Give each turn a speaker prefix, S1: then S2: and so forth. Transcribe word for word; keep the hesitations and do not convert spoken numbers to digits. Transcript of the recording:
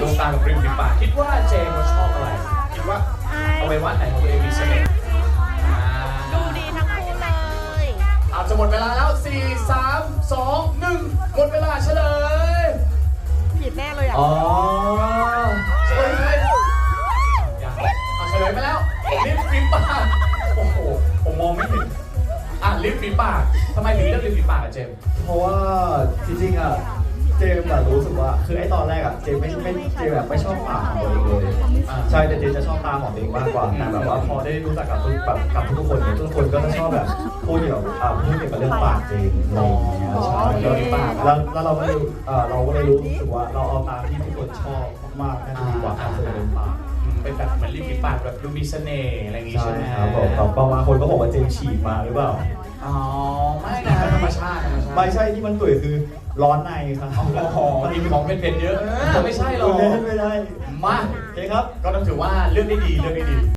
S1: ดวงตากับริมฝีปากคิดว่าเจมส์เขาชอบอะไรคิดว่าเอาไว้ว่าไหนของตัวเองมีเสน่ห์
S2: ดูดีทั้งคู่เลย
S1: อาจจะหมดเวลาแล้วสี่ สาม สอง หนึ่งหมดเวลาเฉลย
S2: ผิดแน่เลยอ่ะ
S1: อ๋อเฉลยยังเอาเฉลยไปแล้วลิปฝีปากโอ้โหผมมองไม่ถึงอ่ะลิปฝีปากทำไมถึงเลือกลิปฝีปากอะเจมส์
S3: เพราะว่าจริงๆอ่ะเจมส์อะรู้สึกว่าคือไอ้ตอนแรกอ่ะเจมส์ไม่ไม่เจมส์แบบไม่ชอบปากของตัวเองเลยใช่แต่เจมส์จะชอบตาของตัวเองมากกว่าแต่แบบว่าพอได้รู้จักกับทุกแบบกับทุกคนเนี่ยทุกคนก็จะชอบแบบพูดเกี่ยวกับอ่าพูดเกี่ยวกับเรื่องปากเจมส์อะไรอย่างเงี้ยใช่
S1: เรื่องปาก
S3: แล้วแล้วเราก็เลยเอ่อเราก็เลยรู้สึกว่าเราเอาตามที่ทุกคนชอบมากๆน่าจะดีกว่าการแสดงปาก
S1: เป็นแบบเหมือนริมฝีปากแบบดูมีเสน่ห์อะไรอย่างงี้
S3: ใช่
S1: ใช่ไหม
S3: ครับผมแต่บางคนก็บอกว่าเจมส์ฉีดมาหรือเปล่า
S1: อ๋อไม่นะธรรมชาติธรรมชาติ
S3: ไม่ใช่ที่มันตุ๋ยคือร้อนในครับ
S1: อ๋อมันมีของเผ็ดๆเยอะเออไม่ใช่หรอก
S3: ไม่ได้ไม่ได้
S1: มา
S3: โอเคครับ
S1: ก็ต้องถือว่าเลือกได้ดีเลือกได้ดี